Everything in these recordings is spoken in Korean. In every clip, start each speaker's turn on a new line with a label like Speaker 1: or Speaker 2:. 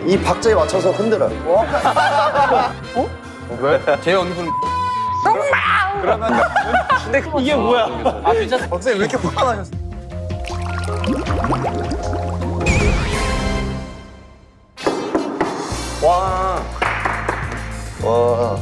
Speaker 1: 이 박자에 맞춰서 흔들어요.
Speaker 2: 왜? 제 얼굴. 그러면
Speaker 3: 근데 이게 뭐야? 아 괜찮아.
Speaker 1: 박사님 왜 이렇게 화가 나셨어요?
Speaker 3: 와.
Speaker 1: 와.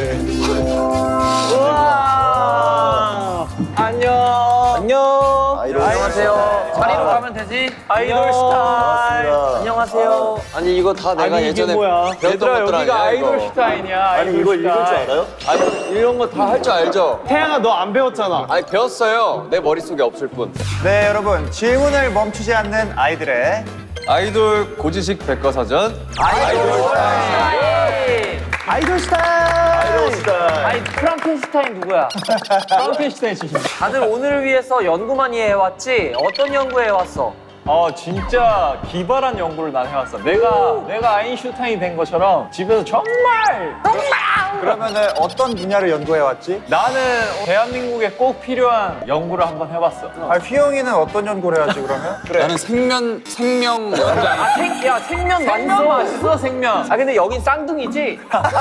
Speaker 3: 우와. 안녕. 안녕.
Speaker 1: 아이돌
Speaker 3: 안녕하세요. 자리로 가면 되지? 아이돌 스타일.
Speaker 1: 반갑습니다.
Speaker 3: 안녕하세요.
Speaker 2: 아니 이거 다 내가
Speaker 3: 아니, 이게
Speaker 2: 예전에
Speaker 3: 뭐야?
Speaker 2: 배웠던
Speaker 3: 얘들아,
Speaker 2: 것들
Speaker 3: 여기가
Speaker 2: 아니야
Speaker 3: 아이돌
Speaker 2: 이거.
Speaker 3: 스타일이야.
Speaker 1: 아니 이거 읽을 줄 알아요?
Speaker 2: 아니 이런 거 다 할 줄 알죠?
Speaker 3: 태양아 너 안 배웠잖아.
Speaker 2: 아니 배웠어요. 내 머릿속에 없을 뿐.
Speaker 4: 네, 여러분. 질문을 멈추지 않는 아이들의
Speaker 2: 아이돌 고지식 백과사전.
Speaker 3: 아이돌 스타일.
Speaker 4: 아이돌 스타일!
Speaker 1: 아이돌 스타일.
Speaker 3: 아니 프랑켄슈타인 누구야? 프랑켄슈타인 출신. 다들 오늘을 위해서 연구 많이 해왔지? 어떤 연구 해왔어?
Speaker 5: 진짜 기발한 연구를 난 해왔어. 내가 아인슈타인이 된 것처럼 집에서 정말
Speaker 4: 그러면은 어떤 분야를 연구해왔지?
Speaker 5: 나는 대한민국에 꼭 필요한 연구를 한번 해봤어.
Speaker 4: 아, 휘영이는 어떤 연구를 해야지, 그러면? 그래.
Speaker 2: 나는 생명 연장.
Speaker 3: 야 생면 맛있어 생면. 아 근데 여긴 쌍둥이지?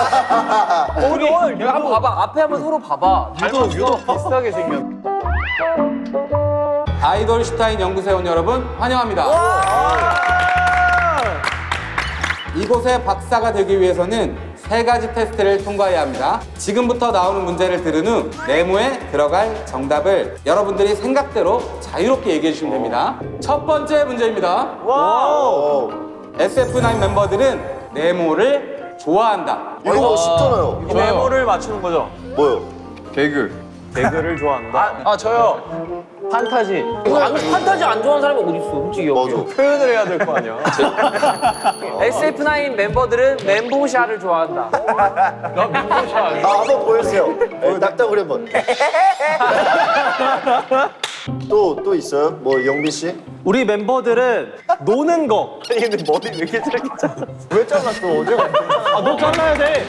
Speaker 3: 우리 내가 한번 봐봐. 앞에 한번 서로 봐봐.
Speaker 5: 유독 비슷하게 생겼.
Speaker 6: 아이돌 슈타인 연구소에 온 여러분 환영합니다. 이곳의 박사가 되기 위해서는 3가지 테스트를 통과해야 합니다. 지금부터 나오는 문제를 들은 후 네모에 들어갈 정답을 여러분들이 생각대로 자유롭게 얘기해 주시면 됩니다. 첫 번째 문제입니다. SF9 멤버들은 네모를 좋아한다.
Speaker 1: 이거 쉽잖아요.
Speaker 5: 이 메모를 맞추는 거죠.
Speaker 1: 뭐요?
Speaker 2: 개그.
Speaker 5: 개그를 좋아한다. 저요. 판타지.
Speaker 3: 판타지 안 좋아하는 사람이 어디 있어? 솔직히 여기.
Speaker 1: 맞아.
Speaker 5: 표현을 해야 될 거 아니야.
Speaker 3: SF9 멤버들은 멘보샤를 좋아한다.
Speaker 5: 나 멘보샤 알지?
Speaker 1: 아, 한번 보여주세요. 낙타구리 한번. 또 있어요? 뭐 영비 씨?
Speaker 3: 우리 멤버들은 노는 거.
Speaker 1: 아니 근데 머리 왜 이렇게 짧게 잘랐어? 왜 잘랐어? 어제
Speaker 3: 아, 너 잘라야 돼.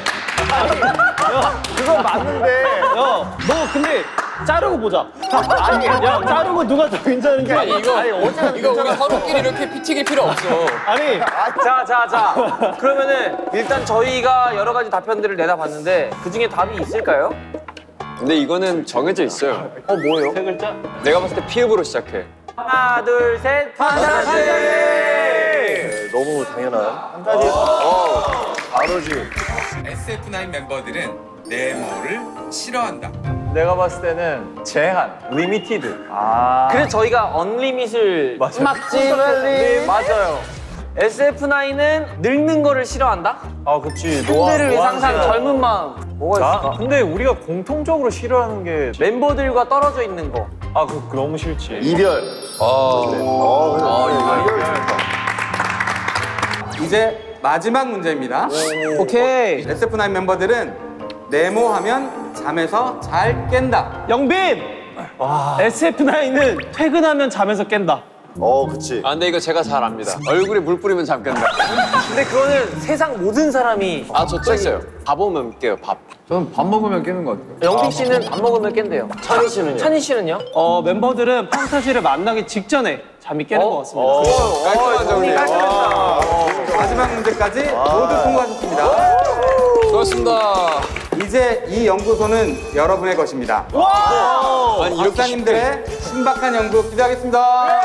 Speaker 1: 그건 맞는데.
Speaker 3: 너 근데 자르고 보자. 아니, 야, 자르고 누가 더 괜찮은지.
Speaker 2: 아니 이거 우리 서로끼리 이렇게 피튀길 필요 없어.
Speaker 3: 아니. 자. 그러면은 일단 저희가 여러 가지 답변들을 내다봤는데 그 중에 답이 있을까요?
Speaker 2: 근데 이거는 정해져 있어요.
Speaker 1: 뭐예요?
Speaker 5: 세 글자?
Speaker 2: 내가 봤을 때 피읍으로 시작해.
Speaker 3: 하나, 둘, 셋. 판타지!
Speaker 1: 네, 너무 당연한. 바로지.
Speaker 6: SF9 멤버들은 네모를 싫어한다.
Speaker 5: 내가 봤을 때는 제한, 리미티드.
Speaker 3: 그래서 저희가 언리밋을
Speaker 5: 맞아요.
Speaker 3: 막지 맞아요. SF9은 늙는 거를 싫어한다?
Speaker 5: 그치.
Speaker 3: 꼰대를 위해 항상 젊은 마음. 뭐가 있을까?
Speaker 5: 근데 우리가 공통적으로 싫어하는 게
Speaker 3: 멤버들과 떨어져 있는 거.
Speaker 5: 그거 너무 싫지.
Speaker 1: 이별.
Speaker 6: 이제 마지막 문제입니다.
Speaker 3: 오케이.
Speaker 6: SF9 멤버들은 네모하면 잠에서 잘 깬다.
Speaker 3: 영빈! SF9은 퇴근하면 잠에서 깬다.
Speaker 1: 그치.
Speaker 2: 아 근데 이거 제가 잘 압니다. 얼굴에 물 뿌리면 잠 깬다.
Speaker 3: 근데 그거는 세상 모든 사람이.
Speaker 2: 저 쬐어요. 밥 오면 깨요. 밥.
Speaker 7: 저는 밥 먹으면 깨는 것 같아요.
Speaker 3: 영빈 씨는 밥 먹으면 깬대요.
Speaker 1: 찬희 씨는요?
Speaker 3: 찬희 씨는요?
Speaker 8: 멤버들은 판타지를 만나기 직전에 잠이 깨는 것 같습니다.
Speaker 2: 깔끔한 정리.
Speaker 6: 마지막 문제까지 모두 통과하셨습니다.
Speaker 2: 수고하셨습니다.
Speaker 6: 이제 이 연구소는 여러분의 것입니다.
Speaker 2: 아니 이렇게
Speaker 6: 박사님들의 신박한 연구 기대하겠습니다.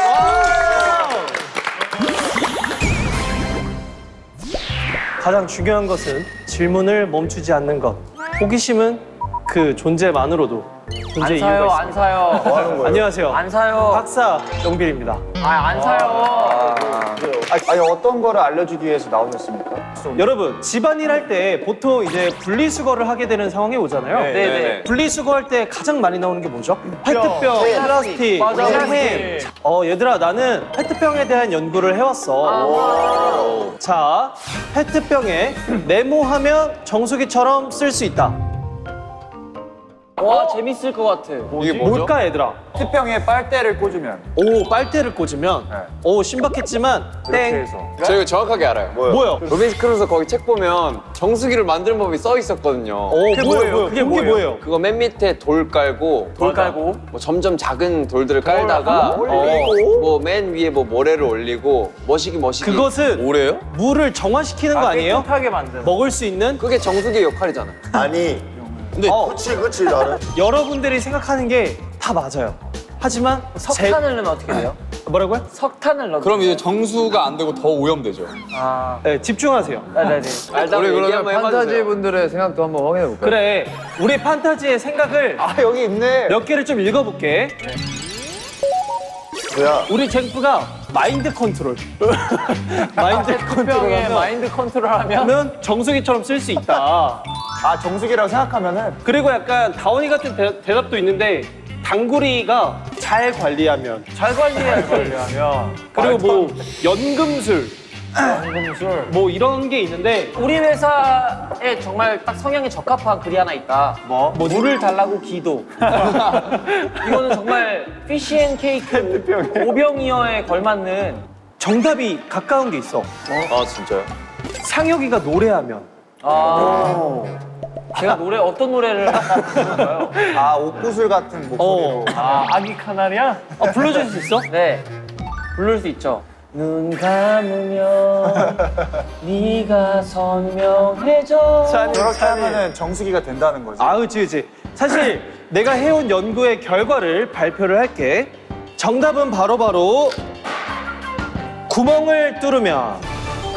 Speaker 8: 가장 중요한 것은 질문을 멈추지 않는 것. 호기심은 그 존재만으로도 존재
Speaker 3: 안
Speaker 8: 이유가
Speaker 3: 사요,
Speaker 8: 있습니다.
Speaker 3: 안 사요.
Speaker 8: 안녕하세요.
Speaker 3: 안 사요.
Speaker 8: 박사 영빈입니다.
Speaker 3: 안 사요.
Speaker 4: 아니, 어떤 거를 알려주기 위해서 나오셨습니까?
Speaker 8: 여러분 집안일 할 때 보통 이제 분리수거를 하게 되는 상황이 오잖아요.
Speaker 3: 네네.
Speaker 8: 분리수거할 때 가장 많이 나오는 게 뭐죠? 페트병, 플라스틱,
Speaker 3: 맞아,
Speaker 8: 햄. 얘들아 나는 페트병에 대한 연구를 해왔어. 자, 페트병에 네모하면 정수기처럼 쓸 수 있다.
Speaker 3: 와 재밌을 것 같아.
Speaker 5: 이게 뭐죠?
Speaker 8: 뭘까 얘들아?
Speaker 4: 특병에 빨대를 꽂으면
Speaker 8: 오 빨대를 꽂으면 오 신박했지만
Speaker 4: 이렇게
Speaker 8: 땡.
Speaker 4: 해서
Speaker 2: 저 이거 정확하게 알아요.
Speaker 8: 뭐야?
Speaker 2: 로빈스 크루소 거기 책 보면 정수기를 만드는 법이 써 있었거든요.
Speaker 8: 그게 뭐예요? 그게 뭐예요?
Speaker 2: 그거 맨 밑에 돌 깔고 뭐 점점 작은 돌들을 깔다가
Speaker 8: 올리고.
Speaker 2: 뭐 맨 위에 뭐 모래를 올리고 머시기
Speaker 8: 그것은
Speaker 2: 모래요?
Speaker 8: 물을 정화시키는 거 아니에요?
Speaker 5: 깨끗하게 만드는.
Speaker 8: 먹을 수 있는
Speaker 2: 그게 정수기의 역할이잖아.
Speaker 1: 아니.
Speaker 2: 근데
Speaker 1: 그치 나는.
Speaker 8: 여러분들이 생각하는 게 다 맞아요. 하지만
Speaker 3: 석탄을 넣으면 어떻게 돼요?
Speaker 8: 뭐라고요?
Speaker 3: 석탄을 넣으면.
Speaker 6: 그럼 이제 정수가 안 되고 더 오염되죠.
Speaker 8: 네, 집중하세요.
Speaker 3: 네네네.
Speaker 2: 우리 그러면
Speaker 7: 판타지 분들의 생각도 한번 확인해 볼까요?
Speaker 8: 그래, 우리 판타지의 생각을
Speaker 4: 여기 있네.
Speaker 8: 몇 개를 좀 읽어볼게.
Speaker 1: 뭐야?
Speaker 8: 우리 잭프가 마인드 컨트롤. 마인드
Speaker 5: 병에
Speaker 8: 컨트롤하면
Speaker 5: 마인드 컨트롤하면
Speaker 8: 그러면 정수기처럼 쓸 수 있다.
Speaker 4: 정수기라고 생각하면은
Speaker 8: 그리고 약간 다원이 같은 대답도 있는데 당구리가 잘 관리하면
Speaker 5: 잘 관리하면
Speaker 8: 그리고 뭐 연금술
Speaker 5: 연금술.
Speaker 8: 뭐 이런 게 있는데
Speaker 3: 우리 회사에 정말 딱 성향에 적합한 글이 하나 있다.
Speaker 8: 뭐
Speaker 3: 물을 달라고 기도. 이거는 정말 피시앤케이크 오병이어에 걸맞는
Speaker 8: 정답이 가까운 게 있어.
Speaker 2: 아 진짜요?
Speaker 8: 상혁이가 노래하면
Speaker 3: 제가 노래 어떤 노래를 할까요?
Speaker 4: 옥구슬 같은 목소리로.
Speaker 5: 아기 카나리아?
Speaker 8: 불러줄 수 있어?
Speaker 3: 네, 부를 수 있죠. 눈 감으면 네가 선명해져.
Speaker 4: 저렇게 하면은 정수기가 된다는 거지.
Speaker 8: 그치. 사실 내가 해온 연구의 결과를 발표를 할게. 정답은 바로 구멍을 뚫으면.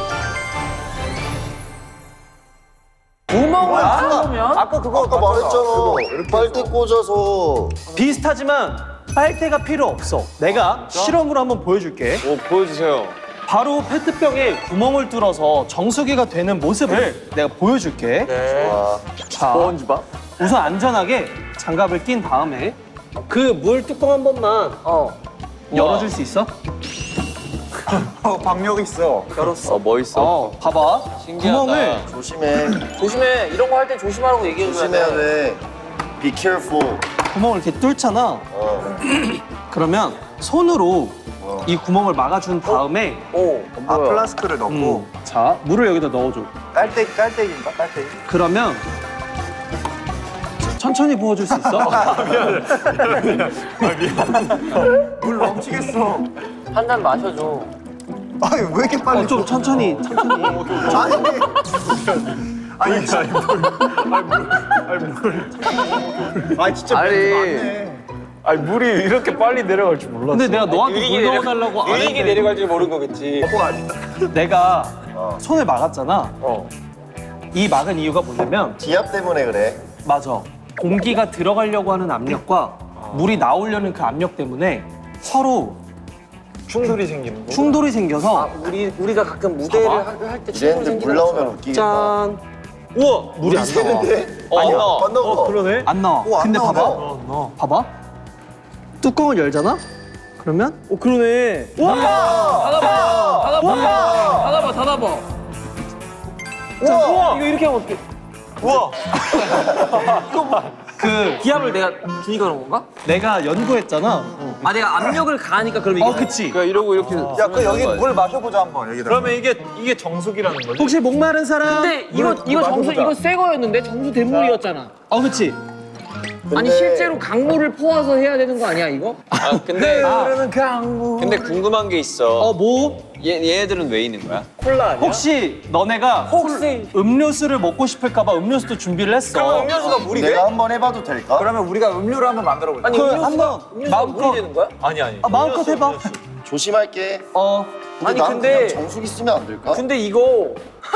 Speaker 3: 구멍을 뚫으면
Speaker 4: 아까 그거
Speaker 1: 아까 말했잖아. 빨대 꽂아서.
Speaker 8: 비슷하지만 빨대가 필요 없어. 내가 실험으로 한번 보여줄게.
Speaker 2: 오 보여주세요.
Speaker 8: 바로 페트병에 구멍을 뚫어서 정수기가 되는 모습을 내가 보여줄게.
Speaker 1: 와.
Speaker 8: 자, 우선 안전하게 장갑을 낀 다음에 그 물 뚜껑 한 번만 열어줄 수 있어?
Speaker 4: 박력 있어.
Speaker 2: 멋있어.
Speaker 8: 봐봐.
Speaker 2: 신기하다.
Speaker 8: 구멍을
Speaker 3: 조심해. 이런 거 할 때 조심하라고 얘기해줘야
Speaker 1: 조심해야
Speaker 3: 돼.
Speaker 1: 돼. Be careful.
Speaker 8: 구멍을 이렇게 뚫잖아. 그러면 손으로 이 구멍을 막아준 다음에
Speaker 4: 플라스크를 넣고
Speaker 8: 자 물을 여기다 넣어줘.
Speaker 4: 깔때기인가? 깔때기.
Speaker 8: 그러면 천천히 부어줄 수 있어?
Speaker 4: 물 넘치겠어.
Speaker 3: 한 잔 마셔줘.
Speaker 4: 아니 왜 이렇게 빨리?
Speaker 8: 좀 천천히.
Speaker 4: 진짜 많네.
Speaker 5: 아니 물이 이렇게 빨리 내려갈 줄 몰랐어.
Speaker 8: 근데 내가 너한테 물 넣어달라고 안
Speaker 2: 이게
Speaker 8: 했는데
Speaker 2: 내려갈 줄 모르는 거겠지.
Speaker 8: 내가 손을 막았잖아. 이 막은 이유가 뭐냐면
Speaker 1: 기압 때문에 그래.
Speaker 8: 맞아. 공기가 들어가려고 하는 압력과 물이 나오려는 그 압력 때문에 서로
Speaker 5: 충돌이 생기는 거.
Speaker 8: 충돌이 생겨서
Speaker 3: 우리가 가끔 무대를
Speaker 8: 봐봐.
Speaker 3: 할 때 충돌이
Speaker 1: 이랬는데 물
Speaker 3: 생기는
Speaker 1: 나오면 웃기겠다.
Speaker 8: 짠. 우와 물이 안 나와.
Speaker 1: 아니야. 안 나와.
Speaker 8: 그러네. 안 나와.
Speaker 1: 오, 안
Speaker 8: 근데
Speaker 1: 나오네.
Speaker 8: 봐봐. 봐봐. 뚜껑을 열잖아. 그러면 그러네.
Speaker 3: 닫아봐.
Speaker 8: 우와.
Speaker 3: 이거 이렇게 하면 어떡해?
Speaker 8: 우와. 그
Speaker 3: 기압을 내가 주니까 그런 건가?
Speaker 8: 내가 연구했잖아.
Speaker 3: 내가 압력을 가하니까 그럼 이게
Speaker 8: 그치.
Speaker 2: 그러니까 이러고 이렇게.
Speaker 4: 야, 그 여기 물 마셔보자 한번 여기다.
Speaker 5: 그러면 이게 정수기라는 거지?
Speaker 8: 혹시 목마른 사람?
Speaker 3: 근데 이거 정수 이거 새 거였는데 정수 대물이었잖아.
Speaker 8: 그치.
Speaker 3: 아니 실제로 강물을 퍼와서 해야 되는 거 아니야 이거?
Speaker 2: 근데 근데 궁금한 게 있어.
Speaker 8: 뭐?
Speaker 2: 얘네들은 왜 있는 거야?
Speaker 5: 콜라 아니야?
Speaker 8: 혹시 너네가
Speaker 3: 혹시
Speaker 8: 음료수를 먹고 싶을까봐 음료수도 준비를 했어.
Speaker 3: 음료수가 물이 돼?
Speaker 1: 내가 한번 해봐도 될까?
Speaker 4: 그러면 우리가 음료를 한번 만들어 보자.
Speaker 3: 아니
Speaker 8: 그
Speaker 3: 음료수가
Speaker 8: 한번
Speaker 3: 음료수가 물이 되는 거야?
Speaker 5: 아니.
Speaker 8: 마음껏 해봐.
Speaker 1: 조심할게. 근데
Speaker 3: 아니,
Speaker 1: 난
Speaker 3: 근데-
Speaker 1: 그냥 정수기 쓰면 안 될까?
Speaker 3: 근데 이거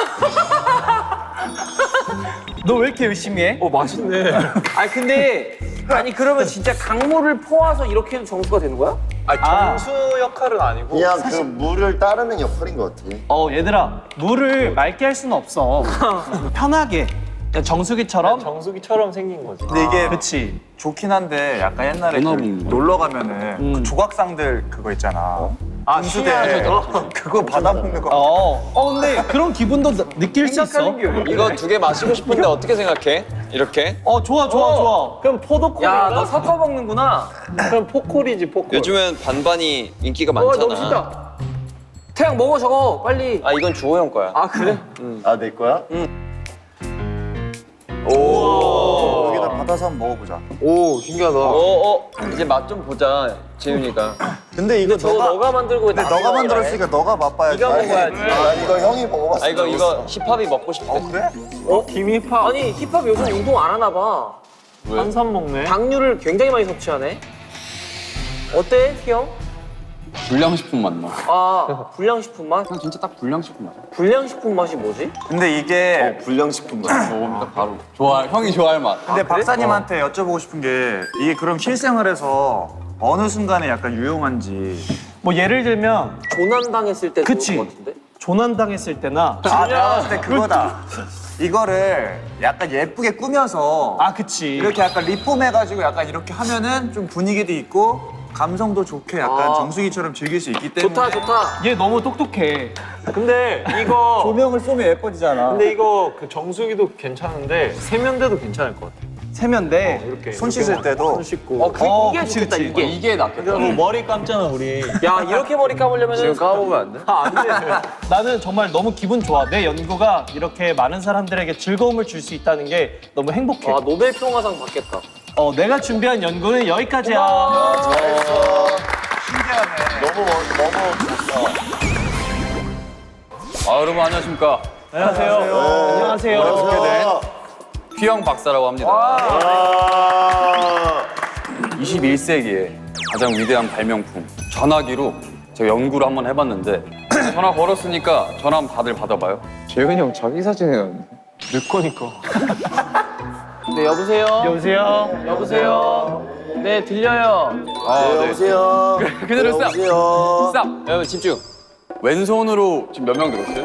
Speaker 8: 너 왜 이렇게 열심히 해?
Speaker 5: 맛있네.
Speaker 3: 아니 그러면 진짜 강물을 퍼와서 이렇게 해도 정수가 되는 거야?
Speaker 5: 정수 역할은 아니고.
Speaker 1: 그냥 그 물을 따르는 역할인 것 같아.
Speaker 8: 얘들아 물을 맑게 할 수는 없어. 편하게 그냥 정수기처럼.
Speaker 5: 정수기처럼 생긴 거지.
Speaker 4: 근데 이게
Speaker 8: 그치.
Speaker 4: 좋긴 한데 약간 옛날에 그 놀러 가면은 그 조각상들 그거 있잖아. 분수대 그거 받아먹는 거.
Speaker 8: 근데 그런 기분도 느낄 수 있어.
Speaker 2: 이거 2개 마시고 싶은데 어떻게 생각해? 이렇게?
Speaker 8: 좋아.
Speaker 3: 그럼 포도콜이야. 야, 너 섞어 먹는구나.
Speaker 5: 그럼 포콜이지 포콜.
Speaker 2: 요즘엔 반반이 인기가
Speaker 3: 너무
Speaker 2: 많잖아.
Speaker 3: 쉽다. 태양 먹어 저거 빨리.
Speaker 2: 아 이건 주호 형 거야.
Speaker 3: 아 그래?
Speaker 1: 아, 내 거야?
Speaker 4: 여기다 받아서 한번 먹어보자.
Speaker 3: 오 신기하다.
Speaker 2: 이제 맛 좀 보자 재윤이가.
Speaker 4: 근데 이거
Speaker 3: 저거 너가 만들고
Speaker 4: 근데 너가 만들었으니까 너가 맛봐야지.
Speaker 3: 네가 먹어야지.
Speaker 1: 아, 이거 형이 먹어봤어.
Speaker 2: 아 이거 힙합이 먹고 싶대.
Speaker 4: 그래?
Speaker 3: 김힙합. 아니 힙합 요즘 운동 안 하나 봐.
Speaker 5: 한산 먹네.
Speaker 3: 당류를 굉장히 많이 섭취하네. 어때 형?
Speaker 6: 불량식품 맛 나.
Speaker 3: 아 불량식품 맛?
Speaker 6: 그냥 진짜 딱 불량식품 맛.
Speaker 3: 불량식품 맛이 뭐지?
Speaker 4: 근데 이게
Speaker 1: 불량식품 맛.
Speaker 6: 먹으면 딱 바로 형이 좋아할 맛.
Speaker 4: 근데 박사님한테 여쭤보고 싶은 게 이게 그럼 실생활에서 어느 순간에 약간 유용한지.
Speaker 8: 뭐 예를 들면
Speaker 3: 조난당했을 때
Speaker 8: 그치.
Speaker 3: 좋은 것 같은데?
Speaker 8: 조난당했을 때나
Speaker 4: 아, 내가 봤을 때 그거다. 이거를 약간 예쁘게 꾸며서
Speaker 8: 그치.
Speaker 4: 이렇게 약간 리폼해가지고 약간 이렇게 하면은 좀 분위기도 있고 감성도 좋게 약간
Speaker 3: 아.
Speaker 4: 정수기처럼 즐길 수 있기 때문에.
Speaker 3: 좋다.
Speaker 8: 얘 너무 똑똑해.
Speaker 5: 근데 이거
Speaker 4: 조명을 쏘면 예뻐지잖아.
Speaker 5: 근데 이거 그 정수기도 괜찮은데 세면대도 괜찮을 것 같아.
Speaker 8: 세면대.
Speaker 5: 이렇게
Speaker 4: 손 씻을 때도.
Speaker 5: 손 씻고.
Speaker 3: 이게
Speaker 8: 그치,
Speaker 3: 좋겠다
Speaker 8: 그치.
Speaker 3: 이게.
Speaker 6: 이게 낫겠다.
Speaker 5: 뭐 머리 감잖아 우리.
Speaker 3: 야 이렇게 머리 감으려면 지금 감으면 안 돼?
Speaker 5: 안 돼.
Speaker 8: 나는 정말 너무 기분 좋아. 내 연구가 이렇게 많은 사람들에게 즐거움을 줄 수 있다는 게 너무 행복해.
Speaker 3: 아 노벨 평화상 받겠다.
Speaker 8: 내가 준비한 연구는 여기까지야.
Speaker 6: 여러분 안녕하십니까.
Speaker 8: 안녕하세요.
Speaker 1: 어떻게 돼?
Speaker 6: 휘영 박사라고 합니다.
Speaker 1: 아.
Speaker 6: 21세기의 가장 위대한 발명품 전화기로 제가 연구를 한번 해봤는데 전화 걸었으니까 전화 한번 다들 받아봐요.
Speaker 2: 재윤이 형 자기 사진 해놨네.
Speaker 3: 네 여보세요.
Speaker 8: 여보세요.
Speaker 3: 여보세요. 네 들려요.
Speaker 1: 네, 여보세요.
Speaker 6: 그대로 싹.
Speaker 1: 여보세요.
Speaker 6: 싹.
Speaker 2: 여러분 집중.
Speaker 6: 왼손으로 지금 몇 명 들었어요?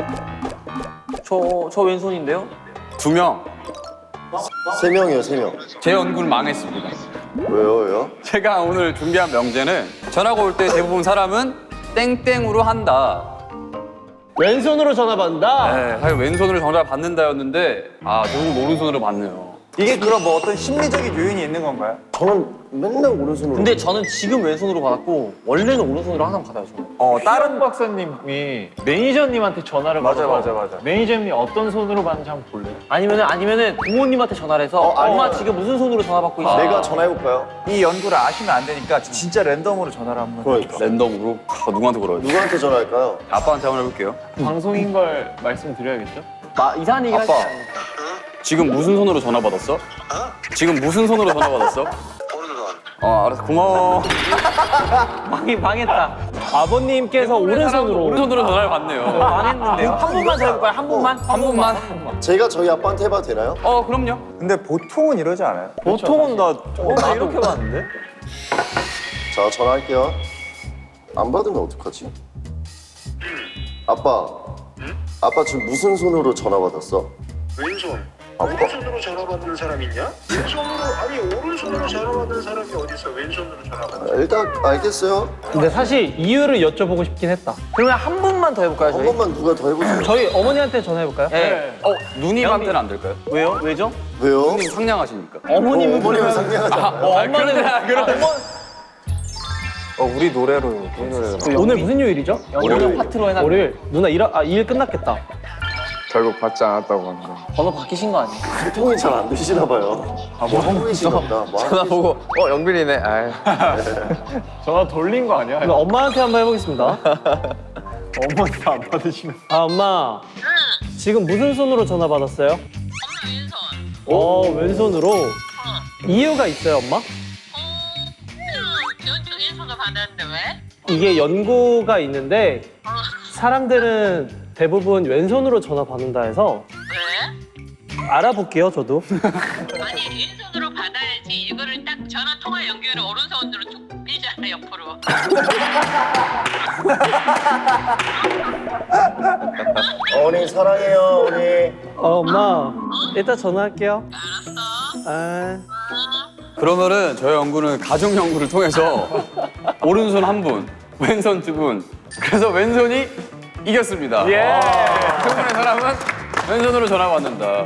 Speaker 3: 저 왼손인데요.
Speaker 6: 2명.
Speaker 1: 3명이요, 3명.
Speaker 6: 제 연구는 망했습니다.
Speaker 1: 왜요?
Speaker 6: 제가 오늘 준비한 명제는 전화가 올 때 대부분 사람은 땡땡으로 한다.
Speaker 8: 왼손으로 전화 받는다.
Speaker 6: 네, 사실 왼손으로 전화 받는다였는데 대부분 오른손으로 받네요.
Speaker 4: 이게 그럼 뭐 어떤 심리적인 요인이 있는 건가요?
Speaker 1: 저는 맨날 오른손으로.
Speaker 3: 근데 저는 지금 왼손으로 받았고 원래는 오른손으로 항상 받아요 저는.
Speaker 5: 다른 박사님이 매니저님한테 전화를
Speaker 4: 맞아,
Speaker 5: 받아서
Speaker 4: 맞아.
Speaker 5: 매니저님이 어떤 손으로 받는지 한번 볼래?
Speaker 3: 아니면은 부모님한테 전화를 해서 엄마 지금 무슨 손으로 전화 받고 있어?
Speaker 1: 내가 전화해볼까요?
Speaker 4: 이 연구를 아시면 안 되니까 진짜 랜덤으로 전화를 한번.
Speaker 1: 그러니까.
Speaker 6: 랜덤으로 누구한테 걸어야 돼?
Speaker 1: 누구한테 전화할까요?
Speaker 6: 아빠한테 한번 해볼게요.
Speaker 5: 방송인 걸 말씀드려야겠죠?
Speaker 3: 이상한 얘기 하지
Speaker 6: 아빠.
Speaker 3: 않으니까.
Speaker 6: 지금 무슨 손으로 전화 받았어? 지금 무슨 손으로 전화 받았어?
Speaker 9: 오른손.
Speaker 6: 알았어. 고마워.
Speaker 3: 망했다.
Speaker 8: 아버님께서 오른손으로.
Speaker 6: 오른손으로 전화를 받네요.
Speaker 3: 망했는데요. 한 번만 더 해볼까요? 한 번만?
Speaker 6: 한 번만.
Speaker 1: 제가 저희 아빠한테 해봐도 되나요?
Speaker 6: 그럼요.
Speaker 4: 근데 보통은 이러지 않아요?
Speaker 5: 보통은 나 이렇게 봤는데?
Speaker 1: 자, 전화할게요. 안 받으면 어떡하지? 아빠. 아빠 지금 무슨 손으로 전화 받았어?
Speaker 9: 왼손.
Speaker 1: 아빠.
Speaker 9: 오른손으로 전화 받는 사람 있냐? 왼손으로 아니 오른손으로 전화 받는 사람이 어디 있어? 왼손으로 전화 받는.
Speaker 1: 일단 알겠어요.
Speaker 8: 근데 사실 이유를 여쭤보고 싶긴 했다.
Speaker 3: 그러면 한 번만 더 해볼까요
Speaker 1: 한
Speaker 3: 저희?
Speaker 1: 번만 누가 더 해보세요.
Speaker 8: 저희 어머니한테 전화해볼까요?
Speaker 3: 네.
Speaker 6: 누님한테는 안 될까요?
Speaker 3: 왜요? 왜죠?
Speaker 1: 왜요?
Speaker 6: 누님 상냥하시니까.
Speaker 8: 어머님은
Speaker 1: 어머님은 상냥하지 않아요.
Speaker 8: 엄마는
Speaker 4: 우리 노래로.
Speaker 8: 오늘 무슨 요일이죠?
Speaker 3: 오늘 파트로 해놨.
Speaker 8: 월요일. 누나 일 끝났겠다.
Speaker 2: 결국 받지 않았다고 하는데.
Speaker 3: 번호 바뀌신 거 아니에요?
Speaker 1: 소통이 잘 안 되시나 봐요. 뭐 하고 계시나 보다. 뭐 하고
Speaker 2: 전화 보고 영빈이네. 아유.
Speaker 5: 전화 돌린 거 아니야?
Speaker 8: 그럼 엄마한테 한번 해보겠습니다.
Speaker 5: 어머니 안 받으시는.
Speaker 8: 엄마. 지금 무슨 손으로 전화 받았어요?
Speaker 10: 왼손.
Speaker 8: 왼손으로. 이유가 있어요, 엄마?
Speaker 10: 왼손으로 받았는데 왜?
Speaker 8: 이게 연구가 있는데 사람들은 대부분 왼손으로 전화 받는다 해서
Speaker 10: 왜?
Speaker 8: 알아볼게요, 저도.
Speaker 10: 아니 왼손으로 받아야지. 이거를 딱 전화 통화 연결을 오른손으로 쭉 밀잖아 옆으로.
Speaker 1: 어머니 사랑해요, 어머니.
Speaker 8: 엄마. 이따 전화할게요.
Speaker 10: 알았어.
Speaker 6: 그러면은 저희 연구는 가족 연구를 통해서 오른손 한 분,
Speaker 2: 왼손 두 분. 그래서 왼손이 이겼습니다.
Speaker 5: 예.
Speaker 2: 두 분의 사람은 왼손으로 전화 받는다.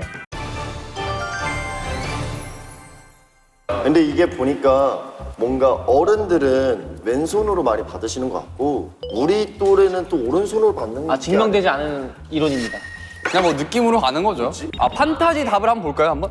Speaker 1: 근데 이게 보니까 뭔가 어른들은 왼손으로 많이 받으시는 것 같고 우리 또래는 또 오른손으로 받는 게
Speaker 3: 증명되지 않은 이론입니다.
Speaker 2: 그냥 뭐 느낌으로 가는 거죠. 아, 판타지 답을 한번 볼까요, 한번?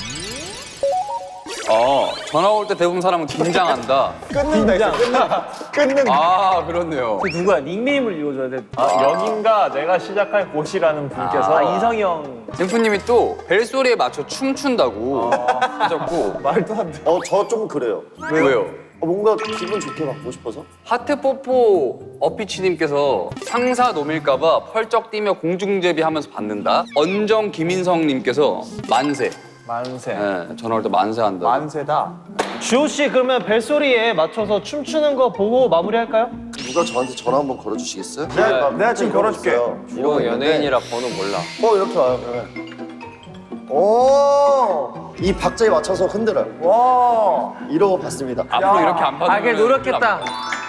Speaker 2: 전화 올 때 대부분 사람은 긴장한다.
Speaker 4: 끊는다 했어. 끊는.
Speaker 2: 아, 그렇네요.
Speaker 3: 그 누구야? 닉네임을 읽어줘야 돼.
Speaker 5: 여긴가 내가 시작할 곳이라는 분께서
Speaker 3: 인성이 형.
Speaker 2: 젠프님이 또 벨소리에 맞춰 춤춘다고 하셨고.
Speaker 4: 말도 안 돼.
Speaker 1: 저 좀 그래요.
Speaker 2: 왜요?
Speaker 1: 뭔가 기분 좋게 받고 싶어서.
Speaker 2: 하트뽀뽀 어피치님께서 상사 놈일까봐 펄쩍 뛰며 공중제비하면서 받는다. 언정 김인성님께서 만세.
Speaker 5: 만세.
Speaker 2: 네, 전화 올 때 만세한다.
Speaker 4: 만세다.
Speaker 8: 주호 씨 그러면 벨소리에 맞춰서 춤추는 거 보고 마무리할까요?
Speaker 1: 누가 저한테 전화 한번 걸어주시겠어요?
Speaker 4: 내가 지금 걸어줄게.
Speaker 2: 이거 연예인이라 번호 몰라.
Speaker 1: 이렇게 와요. 그러면. 오! 이 박자에 맞춰서 흔들어요.
Speaker 4: 와.
Speaker 1: 이러고 받습니다.
Speaker 2: 앞으로 이렇게 안 받으면.
Speaker 3: 그래 노력했다.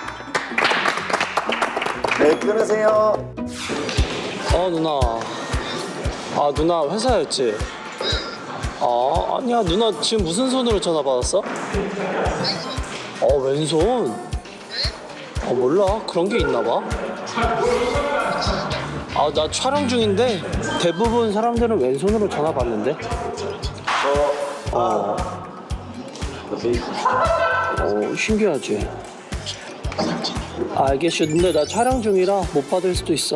Speaker 1: 네, 끊으세요.
Speaker 8: 누나. 누나 회사였지? 아니야 누나 지금 무슨 손으로 전화 받았어? 왼손? 몰라 그런 게 있나 봐. 나 촬영 중인데 대부분 사람들은 왼손으로 전화 받는데. 신기하지. 알겠어. 근데 나 촬영 중이라 못 받을 수도 있어.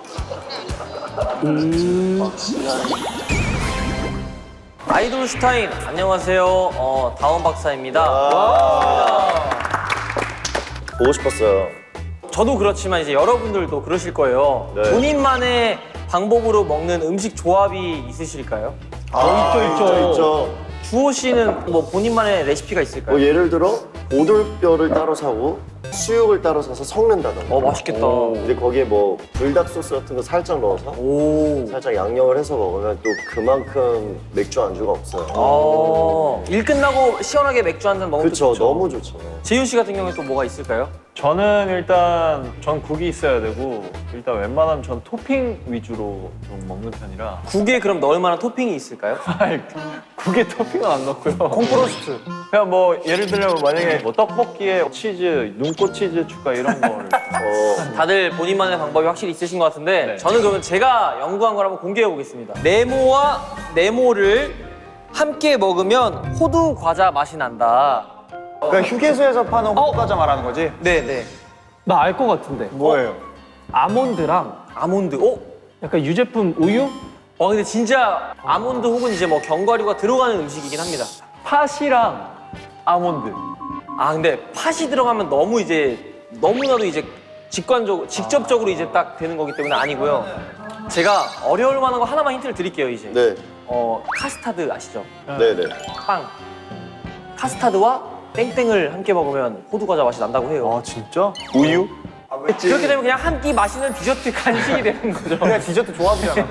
Speaker 3: 아이돌 슈타인 안녕하세요. 다원 박사입니다.
Speaker 1: 보고 싶었어요.
Speaker 3: 저도 그렇지만 이제 여러분들도 그러실 거예요.
Speaker 1: 네.
Speaker 3: 본인만의 방법으로 먹는 음식 조합이 있으실까요?
Speaker 1: 있죠.
Speaker 3: 주호 씨는 뭐 본인만의 레시피가 있을까요?
Speaker 1: 뭐 예를 들어 오돌뼈를 따로 사고 수육을 따로 사서 섞는다던가.
Speaker 3: 맛있겠다.
Speaker 1: 근데 거기에 뭐 불닭 소스 같은 거 살짝 넣어서
Speaker 3: 오.
Speaker 1: 살짝 양념을 해서 먹으면 또 그만큼 맥주 안주가 없어요.
Speaker 3: 일 끝나고 시원하게 맥주 한 잔 먹으면
Speaker 1: 그렇죠.
Speaker 3: 좋죠.
Speaker 1: 너무 좋죠.
Speaker 3: 재윤 씨 같은 경우에 또 뭐가 있을까요?
Speaker 5: 저는 일단 전 국이 있어야 되고 일단 웬만하면 전 토핑 위주로 좀 먹는 편이라
Speaker 3: 국에 그럼 넣을 만한 토핑이 있을까요?
Speaker 5: 아니, 국에 토핑은 안 넣고요. 콩프로스트. 그냥 뭐 예를 들면 만약에 뭐 떡볶이에 치즈, 눈꽃 치즈 추가 이런 거를.
Speaker 3: 다들 본인만의 방법이 확실히 있으신 것 같은데
Speaker 5: 네.
Speaker 3: 저는 그러면 제가 연구한 걸 한번 공개해 보겠습니다. 네모와 네모를 함께 먹으면 호두 과자 맛이 난다.
Speaker 4: 그러니까 휴게소에서 파는 호두과자 말하는 거지?
Speaker 3: 네네.
Speaker 8: 나 알 것 같은데.
Speaker 4: 뭐예요?
Speaker 8: 아몬드랑
Speaker 3: 아몬드.
Speaker 8: 약간 유제품 우유?
Speaker 3: 근데 진짜 아몬드 혹은 이제 뭐 견과류가 들어가는 음식이긴 합니다.
Speaker 5: 팥이랑 아몬드.
Speaker 3: 근데 팥이 들어가면 너무 이제 너무나도 이제 직접적으로 이제 딱 되는 거기 때문에 아니고요. 제가 어려울 만한 거 하나만 힌트를 드릴게요 이제.
Speaker 1: 네.
Speaker 3: 카스타드 아시죠?
Speaker 1: 네네.
Speaker 3: 빵. 카스타드와 땡땡을 함께 먹으면 호두 과자 맛이 난다고 해요.
Speaker 5: 진짜? 우유?
Speaker 3: 그렇게 되면 그냥 한 끼 마시는 디저트 간식이 되는 거죠.
Speaker 4: 그냥 디저트 조합이잖아.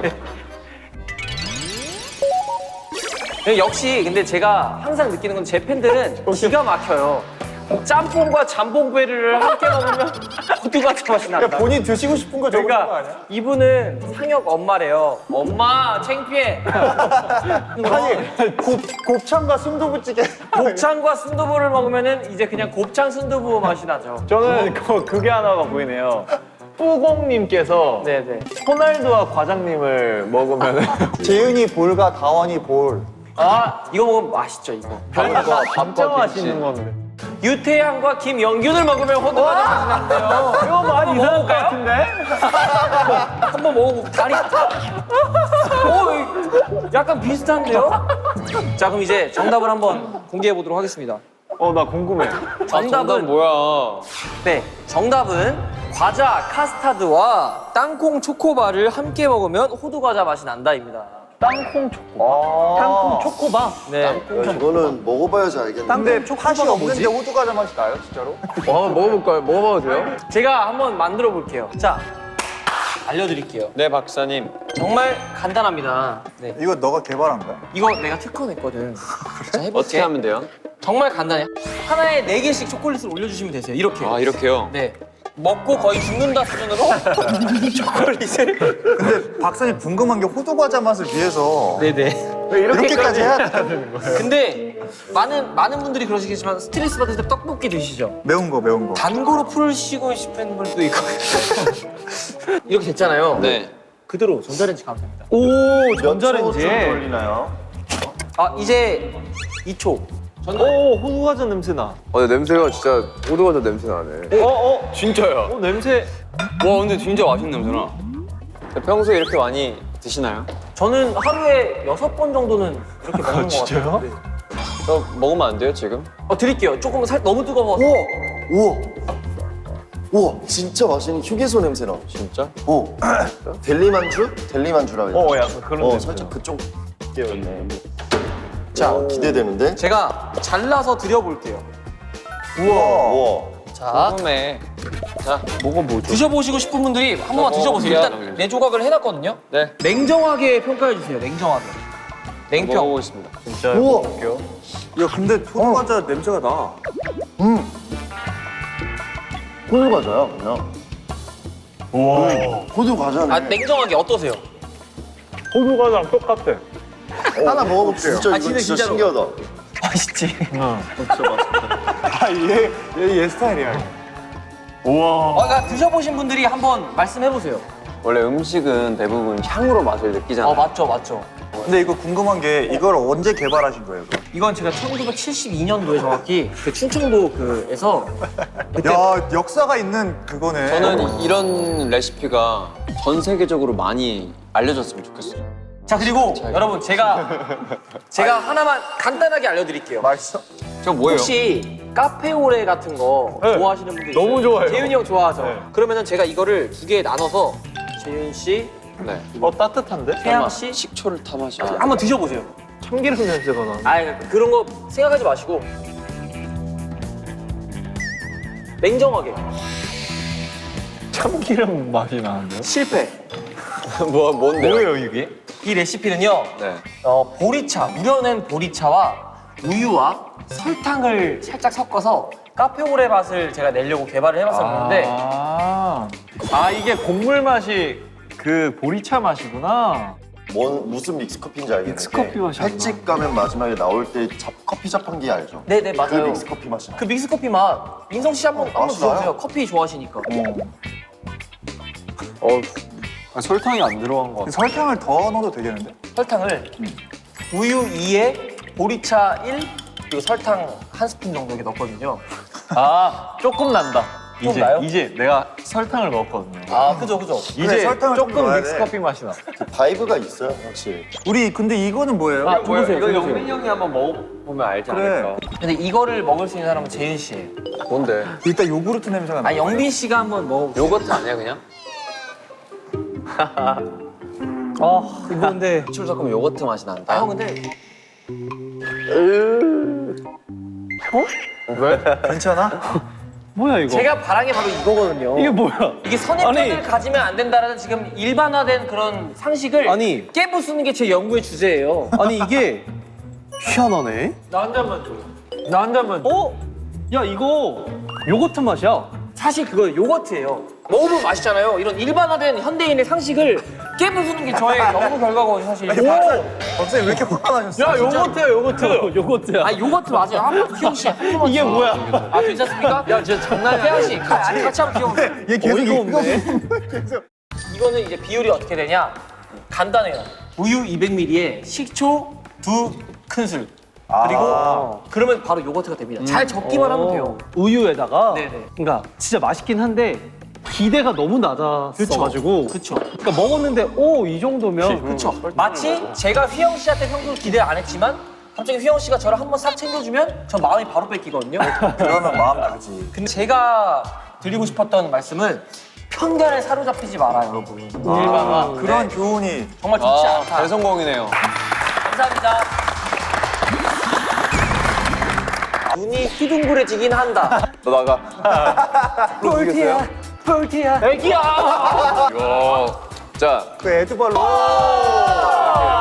Speaker 3: 역시 근데 제가 항상 느끼는 건 제 팬들은 기가 막혀요. 짬뽕과 잠봉베리를 함께 먹으면 호두 과자 맛이 난다.
Speaker 4: 본인 드시고 싶은 거 적는 거
Speaker 3: 그러니까
Speaker 4: 아니야?
Speaker 3: 이분은 상혁 엄마래요. 엄마 창피해.
Speaker 4: 아니 곱창과 순두부찌개.
Speaker 3: 곱창과 순두부를 먹으면은 이제 그냥 곱창 순두부 맛이 나죠.
Speaker 5: 저는 그게 하나가 보이네요. 뿌공님께서
Speaker 3: 네네.
Speaker 5: 호날두와 과장님을 먹으면
Speaker 4: 재윤이 볼과 다원이 볼.
Speaker 3: 이거 먹으면 맛있죠 이거.
Speaker 5: 별거 진짜 맛있는 건데.
Speaker 3: 유태양과 김영균을 먹으면 호두 과자 맛이 난대요.
Speaker 5: 이거 많이 이상한 것 같은데?
Speaker 3: 한번 먹어보고 다리. 약간 비슷한데요? 자 그럼 이제 정답을 한번 공개해 보도록 하겠습니다.
Speaker 5: 나 궁금해.
Speaker 3: 정답은
Speaker 2: 뭐야?
Speaker 3: 네, 정답은 과자 카스타드와 땅콩 초코바를 함께 먹으면 호두 과자 맛이 난다입니다.
Speaker 5: 땅콩 초코. 땅콩 초코바.
Speaker 3: 네.
Speaker 1: 이거는 먹어봐야지 알겠는데.
Speaker 4: 근데 팥이 없는데 호두과자 맛이 나요, 진짜로?
Speaker 2: 먹어볼까요? 먹어봐도 돼요?
Speaker 3: 제가 한번 만들어 볼게요. 자, 알려드릴게요.
Speaker 2: 네, 박사님.
Speaker 3: 정말 간단합니다. 네.
Speaker 4: 이거 너가 개발한 거야?
Speaker 3: 이거 내가 특허냈거든. 자, 해볼게.
Speaker 2: 어떻게 하면 돼요?
Speaker 3: 정말 간단해요. 하나에 4개씩 초콜릿을 올려주시면 되세요. 이렇게.
Speaker 2: 이렇게요?
Speaker 3: 네. 먹고 거의 죽는다 수준으로 초콜릿을.
Speaker 4: 근데 박사님 궁금한 게 호두 과자 맛을 위해서
Speaker 3: 네네.
Speaker 4: 왜 이렇게까지 해야 되는 거예요?
Speaker 3: 근데 많은 분들이 그러시겠지만 스트레스 받을 때 떡볶이 드시죠?
Speaker 4: 매운 거.
Speaker 3: 단 거로 풀시고 싶은 분도 있고. 이렇게 됐잖아요.
Speaker 2: 네.
Speaker 3: 그대로 전자레인지 가면 됩니다.
Speaker 8: 오,
Speaker 1: 몇
Speaker 8: 전자레인지.
Speaker 1: 초쯤 걸리나요?
Speaker 3: 아 이제 2초.
Speaker 8: 오, 호두과자 냄새 나.
Speaker 7: 근데 냄새가 진짜 호두과자 냄새 나네.
Speaker 2: 진짜요?
Speaker 8: 냄새.
Speaker 2: 와 근데 진짜 맛있는 냄새나. 평소에 이렇게 많이 드시나요?
Speaker 3: 저는 하루에 6번 정도는 이렇게 먹는 것 같아요. 네.
Speaker 2: 저 먹으면 안 돼요 지금?
Speaker 3: 드릴게요. 조금 너무 뜨거워서.
Speaker 1: 우와, 진짜 맛있는 휴게소 냄새 나.
Speaker 2: 진짜?
Speaker 1: 델리만주? 델리만주라 해야 되나?
Speaker 8: 약간 그런 냄새.
Speaker 1: 살짝 그쪽 계열네. 자, 기대되는데?
Speaker 3: 제가 잘라서 드려볼게요.
Speaker 1: 우와.
Speaker 3: 자,
Speaker 2: 처음에
Speaker 3: 드셔보시고 싶은 분들이 한 번만 드셔보세요. 일단 내 조각을 해놨거든요.
Speaker 2: 네
Speaker 3: 냉정하게 평가해주세요. 냉정하게. 냉평.
Speaker 2: 먹어보겠습니다.
Speaker 8: 진짜
Speaker 1: 우와.
Speaker 8: 먹을게요.
Speaker 4: 야 근데 호두 과자 냄새가 나.
Speaker 1: 호두 과자야, 그냥. 호두 과자네.
Speaker 3: 아 냉정하게 어떠세요?
Speaker 8: 호두과자랑 똑같아.
Speaker 1: 하나 먹어볼게요. 진짜 이거 진짜
Speaker 3: 진짜로.
Speaker 1: 신기하다.
Speaker 3: 맛있지.
Speaker 4: 얘 스타일이야.
Speaker 3: 그러니까 드셔보신 분들이 한번 말씀해보세요.
Speaker 2: 원래 음식은 대부분 향으로 맛을 느끼잖아요.
Speaker 3: 맞죠.
Speaker 4: 근데 이거 궁금한 게 이걸 언제 개발하신 거예요? 그럼?
Speaker 3: 이건 제가 1972년도에 정확히 그 충청도 그에서
Speaker 4: 야 역사가 있는 그거네.
Speaker 2: 저는 이런 레시피가 전 세계적으로 많이 알려졌으면 좋겠어요.
Speaker 3: 자 그리고 여러분 제가 하나만 간단하게 알려드릴게요.
Speaker 4: 맛있어?
Speaker 2: 저 뭐예요?
Speaker 3: 혹시 카페오레 같은 거 좋아하시는 분들 있어요?
Speaker 8: 너무 좋아해요.
Speaker 3: 재윤이 형 좋아하죠?
Speaker 8: 네.
Speaker 3: 그러면은 제가 이거를 2개에 나눠서 재윤 씨,
Speaker 2: 네.
Speaker 8: 따뜻한데?
Speaker 3: 태양 씨
Speaker 2: 식초를 타 마셔.
Speaker 3: 한번 드셔보세요.
Speaker 8: 참기름 냄새가 나.
Speaker 3: 그런 거 생각하지 마시고 냉정하게
Speaker 8: 참기름 맛이 나는데요?
Speaker 3: 실패.
Speaker 2: 뭔데요?
Speaker 8: 뭐예요 이게?
Speaker 3: 이 레시피는요.
Speaker 2: 네.
Speaker 3: 보리차, 우려낸 보리차와 우유와 설탕을 살짝 섞어서 카페오레 맛을 제가 내려고 개발을 해봤었는데
Speaker 8: 이게 곡물 맛이 그 보리차 맛이구나.
Speaker 1: 무슨 믹스커피인지 알겠는데.
Speaker 8: 믹스커피 맛이 안
Speaker 1: 횟집 가면 마지막에 나올 때 커피 자판기 알죠?
Speaker 3: 네네
Speaker 1: 그
Speaker 3: 맞아요.
Speaker 1: 믹스커피 맛이 나.
Speaker 3: 그 믹스커피 맛 민성 씨 한번
Speaker 1: 맛이 나요?
Speaker 3: 드셔보세요. 커피 좋아하시니까.
Speaker 8: 설탕이 안 들어간 것 같아.
Speaker 4: 설탕을 더 넣어도 되겠는데?
Speaker 3: 설탕을 우유 2에 보리차 1 그리고 설탕 1스푼 정도 이렇게 넣거든요.
Speaker 8: 조금 난다.
Speaker 3: 좀 나요?
Speaker 8: 이제 내가 설탕을 넣었거든요.
Speaker 3: 그죠.
Speaker 8: 이제
Speaker 4: 설탕을 좀
Speaker 8: 조금
Speaker 4: 넣어야 돼.
Speaker 8: 믹스커피 맛이 나.
Speaker 1: 그 바이브가 있어요, 확실히.
Speaker 4: 우리 근데 이거는 뭐예요?
Speaker 3: 드세요,
Speaker 2: 이거
Speaker 3: 드세요.
Speaker 2: 영민이 형이 한번 먹어보면 알지
Speaker 4: 그래.
Speaker 2: 않을까?
Speaker 3: 근데 이거를 먹을 수 있는 사람은 재윤 씨예요.
Speaker 2: 뭔데?
Speaker 4: 일단 요구르트 냄새가 나.
Speaker 3: 영빈 씨가 한번 먹어보세요.
Speaker 2: 요거트 아니야 그냥?
Speaker 8: 이거 근데
Speaker 2: 식초를 섞으면 요거트 맛이 난다.
Speaker 3: 형 근데
Speaker 4: 괜찮아?
Speaker 8: 뭐야 이거?
Speaker 3: 제가 바란 게 바로 이거거든요.
Speaker 8: 이게 뭐야?
Speaker 3: 이게 선입견을
Speaker 8: 아니.
Speaker 3: 가지면 안 된다라는 지금 일반화된 그런 상식을
Speaker 8: 아니.
Speaker 3: 깨부수는 게 제 연구의 주제예요.
Speaker 8: 아니 이게 희한하네.
Speaker 3: 나 한 잔만 줘.
Speaker 8: 나 한 잔만. 야 이거 요거트 맛이야.
Speaker 3: 사실 그거 요거트예요. 먹으면 맛있잖아요. 이런 일반화된 현대인의 상식을 깨부수는 게 저의 연구 결과거든요, 사실.
Speaker 4: 박사님 왜 이렇게 화가 나셨어?
Speaker 8: 야 요거트야 요거트. 요거트야.
Speaker 3: 요거트 맞아요. 한번 희영 씨, 한 번만.
Speaker 8: 이게
Speaker 3: 줘.
Speaker 8: 뭐야?
Speaker 3: 괜찮습니까? 야, 진짜 장난이야. 태양 씨, 같이 한번 귀여우세요.
Speaker 4: 얘 계속
Speaker 8: 어이가
Speaker 4: 이거
Speaker 8: 없네.
Speaker 3: 이거는 이제 비율이 어떻게 되냐? 간단해요. 우유 200ml에 식초 2큰술. 그리고 그러면 바로 요거트가 됩니다. 잘 적기만 하면 돼요.
Speaker 8: 우유에다가.
Speaker 3: 네네.
Speaker 8: 그러니까 진짜 맛있긴 한데 기대가 너무 낮았어가지고.
Speaker 3: 그쵸.
Speaker 8: 그러니까 먹었는데 이 정도면.
Speaker 3: 그쵸. 마치 제가 휘영 씨한테 평소에 기대 안 했지만 갑자기 휘영 씨가 저를 한번 싹 챙겨주면 저 마음이 바로 뺏기거든요.
Speaker 4: 그러면 마음 다르지.
Speaker 3: 근데 제가 드리고 싶었던 말씀은 편견에 사로잡히지 말아요, 여러분. 일반화.
Speaker 4: 그런 교훈이
Speaker 3: 정말 좋지 않다.
Speaker 2: 대성공이네요.
Speaker 3: 감사합니다. 눈이 휘둥그레지긴 한다.
Speaker 2: 너 나가.
Speaker 3: 볼티야, 볼티야. 애기야.
Speaker 2: 자,
Speaker 4: 그 에드발로